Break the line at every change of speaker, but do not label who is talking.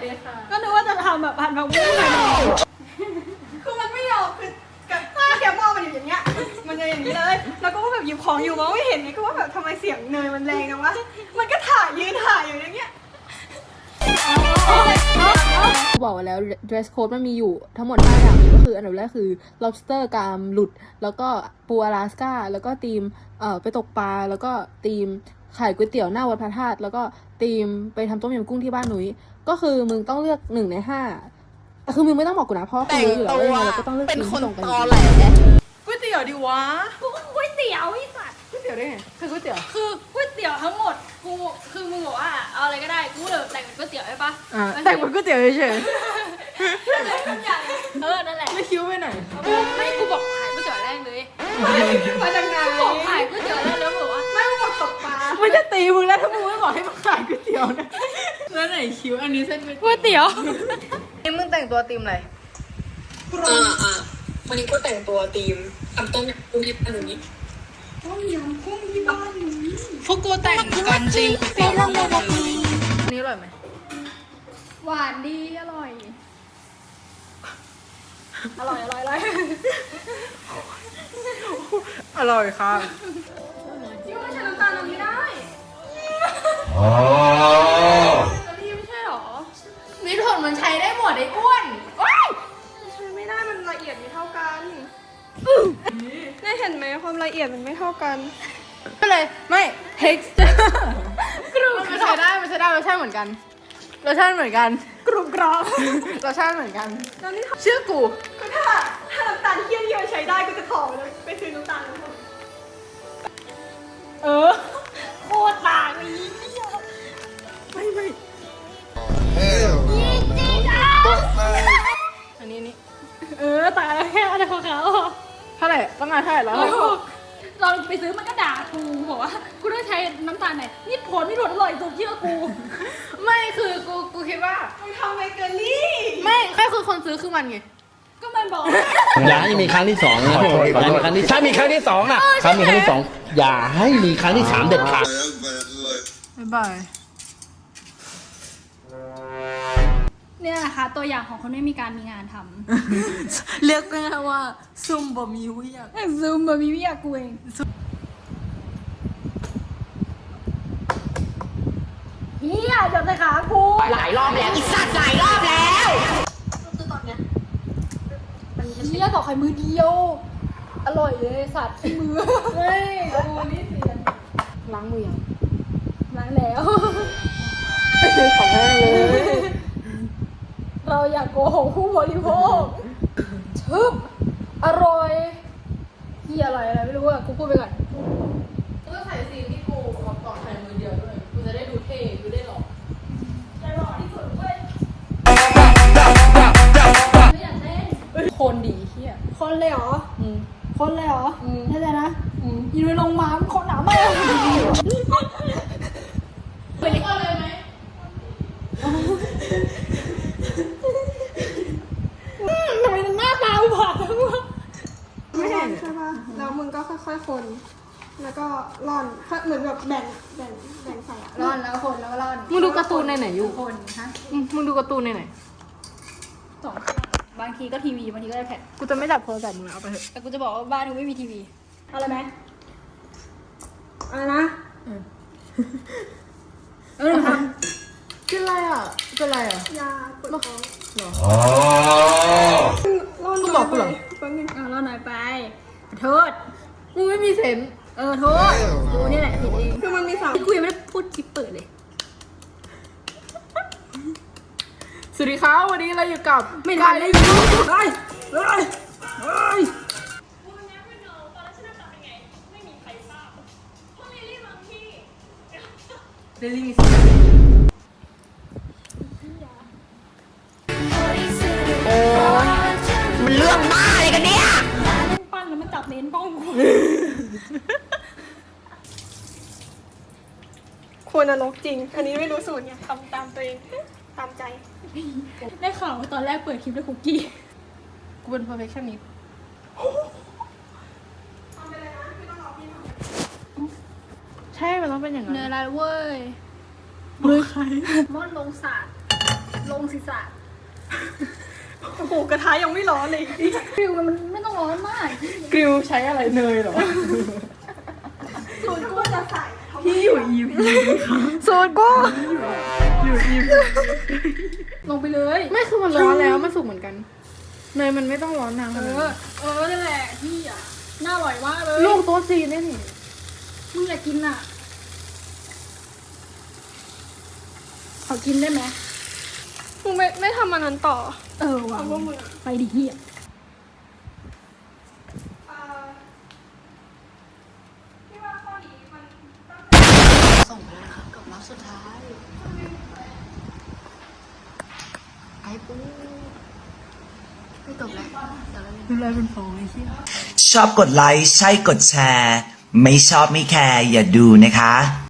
ดีค่ะ
ก็นึกว่าจะทำแบบผัดผักบุ้งหน่อยคือมันไม่ยอมคือแกมองมันอยู่อย่างเงี้ยมันจะอย่างนี้เลยแล้วก็ว่าแบบหยิบของอยู่มองไม่เห็นไงก็ว่าแบบทำไมเสียงเนยมันแรงนะวะมันก็ถ่ายยืนถ่ายอยู่อย่างเงี้ย
บอกไว้แล้ว dress code มันมีอยู่ทั้งหมด5อย่างก็คืออันดับแรกคือ lobster กามหลุดแล้วก็ปูอลาสก้าแล้วก็ธีมไปตกปลาแล้วก็ธีมขายก๋วยเตี๋ยวหน้าวัดพระธาตุแล้วก็ธีมไปทำต้มยำกุ้งที่บ้านหนุ้ยก็คือมึงต้องเลือก1 ใน 5แต่คือมึงไม่ต้องบอกกูนะเพราะกูรู้อยู่แล้วว่าเราก็ต้องเลือกธีมที่ตรงกันอยู่ดี
ก๋วยเตี๋ยวดิวะ
กูก็ก๋วยเตี๋ยวไอ้สัตว์
ก๋วยเตี๋ยวได้ไงคือก๋วยเตี๋ยว
คือก๋วยเตี๋ยวทั้งหมดกูคือมึงบอกว่าเอาอะไรก็ได้กูเลยแต่งเป็นก๋วยเตี๋ยวใช่ปะ
แต่งเป็นก๋วยเตี๋ยวเฉย
นั่นแหละ
ๆไม่คิ้วไปไหน
ไม่กูบอกขายก๋วยเตี๋ยวแรกเลย
มาจากไหน
บอกขายก๋วยเตี๋ยวแรกแล้วบอกว่าไม่บอกตกปลา
มันจะตีมึงแล้วถ้ามึงไม่บอกให้มาขายก๋วยเตี๋ยวนะแล้วไหนคิ้วอันนี้เส้น
ก๋วยเตี๋ยว
นี่มึงแต่งตัวธีมอะไร
วันนี้ก็แต่งตัวธีมทำต้มยำกุ้งที่บ้านหนูนี้
พวกกูแต่งกันจริงเตี๋ยวเลย
อันนี้อร่อยไหม
หวานดีอร่อยอร่อย
อร่อยค่ะ
ที่ว่าใช้น้ำตาลตรงนี้ได้แต่นี่ไม่ใช่หรอ
มิตรผลมันใช้ได้หมดไอ้อ้วนว้าย
ใช้ไม่ได้มันละเอียดไม่เท่ากันได้เห็นไหมความละเอียดมันไม่เท่ากัน
ก็เลยไม่ texture มันใช้ได้รสชาติเหมือนกันรสชาติเหมือนกัน
กรุบกรอบ
รสชาติเหมือนกัน
แล้วนี่
เชื่อกู
ก็ถ้าน้ำตาลเคี่ยวๆใช้ได้ก็จะถอดเลยไปซื้อน้ำตาลแล้วโคตรต่างเลยไม่
อันนี้นี่
ต่างแล้วแค่อะไรของเขา
เท่าไหร่ต้องงานเท่าไหร่แล้ว
เราไปซื้อมันก็ด่ากูบอกว่ากูต้องใช้น้ำตาลไหนนี่ผลอร่อยสุดเชื่อกู
ไม่คือกูคิดว่า
มึงทำเบเกอรี่
ไม่คือคนซื้อคือมันไง
ก็มันบอก
อย่าให้มีครั้งที่สองนะอย่าให้มีครั้งที่ถ้ามีครั้งที่สองนะถ้ามีครั้งที่สองอย่าให้มีครั้งที่3เด็ดขาด
บ๊ายบาย
เนี่ยนะคะตัวอย่างของคนไม่มีการมีงานท
เรียกง่ายว่าซุ่มบ่มีวิยาก
ำซูมบะมีวิยากูเองเฮียจับแต่ขากู
หลายรอบแล้วอีสัตว์หลายรอบแล้ว
คือตอนเนี้ยเฮียต่อไข่มือเดียว อร่อยเลยสัตว์ที่มือเฮ้ยกูนี่เสีย
ล้างมือยัง
ล้างแล้ว
ของแม่เลย
เราอยากโกหกผู้บริโภคชึบอร่อยเฮียอะไรไม่รู้อะกูพูดไปก่อน
ก็ใส่ซีนที่กูเอาต่อใส่มือเดียวด้วยกูจะได้ดูเท่ดูได้หล่อ
จะหล่อที่สุดเว้ยไม่อยากเล่น
คนดีเฮีย
คนเลยเหรอ คนเลยเหรอ
อืม
แน่ใจนะยืนลงมาคนหนามาก
เป็นคนเลยไหม
ทำไมหน้าตาอุบาทจังวะไม่เห็นใช่ปะแล้วมึงก็ค่อยๆคน แล้วก็ร่อนเหมือนแบบแบ่งใส่อะร่อนแล้วคนแล้วก็ร่อน
มึงดูการ์ตูนในไหนอยู่
คนฮะ
มึงดูการ์ตูนในไหน
สองบางทีก็ทีวีบางทีก็ไอแพด
กูจะไม่จับโทรศัพท์มึงแล้วเอาไปเถอะ
แต่กูจะบอกว่าบ้านกูไม่มีทีวีเอาอะไรไหมอะไรนะทำ
กินอะไรอ่ะกินอะไรอ่ะ
ยาปวดท้อง
หรอ
ร่อน
กูบอกกูเหรอ
แป๊บนึงร่อนหน่อยไปโทษ
มึงไม่มีเซนส์
โทษกูนี่แหละผิดเองคือมันมีสามกูยังไม่ได้พูดคลิปเปิดเลย
สวัสดีครับวันนี้เราอยู่กับ
ไม่ทันได้ยินเฮ้ย
เดลี่มิส
มันเรื่องบ้าอะไรกันเนี่ย
ปั้นแล้วมันจับเลนส์กล้องกูควรนรกจริง อันนี้ไม่รู้สูตรไงทำตามตัวเองตามใจ ได้ข่าวว่าตอนแรกเปิดคลิปด้วยคุกกี้
กูเป็น perfectionist ใช่ มันต้องเป็นอย่างนั้น
เนื้ออะไรเว้ย
มือใคร
มดลงศาสตร์ลงศีรษะโอ้โหกระทะยังไม่ร้อนเลยฟิวมันไม่ต้องร้อนมาก
กริลใช้อะไรเนยเหรอ
สูตรกูจะใส่
พี่อยู่ EP
สูตรกูลงไปเลย
ไม่คือมันร้อนแล้วมันสุกเหมือนกัน เนยมันไม่ต้องร้อนนานขนาดนั้น
นั่นแหละพี่อ่ะน่าอร่อยมากเลย
ลูกโต๊ะจีนเนี่ยนี่
มึงอยากกินอ่ะขอกินได้ไหม
มึงไม่ทำอันนั้นต่อ
ว่ะ
เอาพวกมึง
ไปดิเฮีย
ส่งไปเลยครับกับรับสุดท้ายไอ้ปูไม่จบแล้วดูแลเป็นฟองไอ้เหี้ย
ชอบกดไลค์ใช่กดแชร์ ไม่ชอบไม่แคร์อย่าดูนะคะ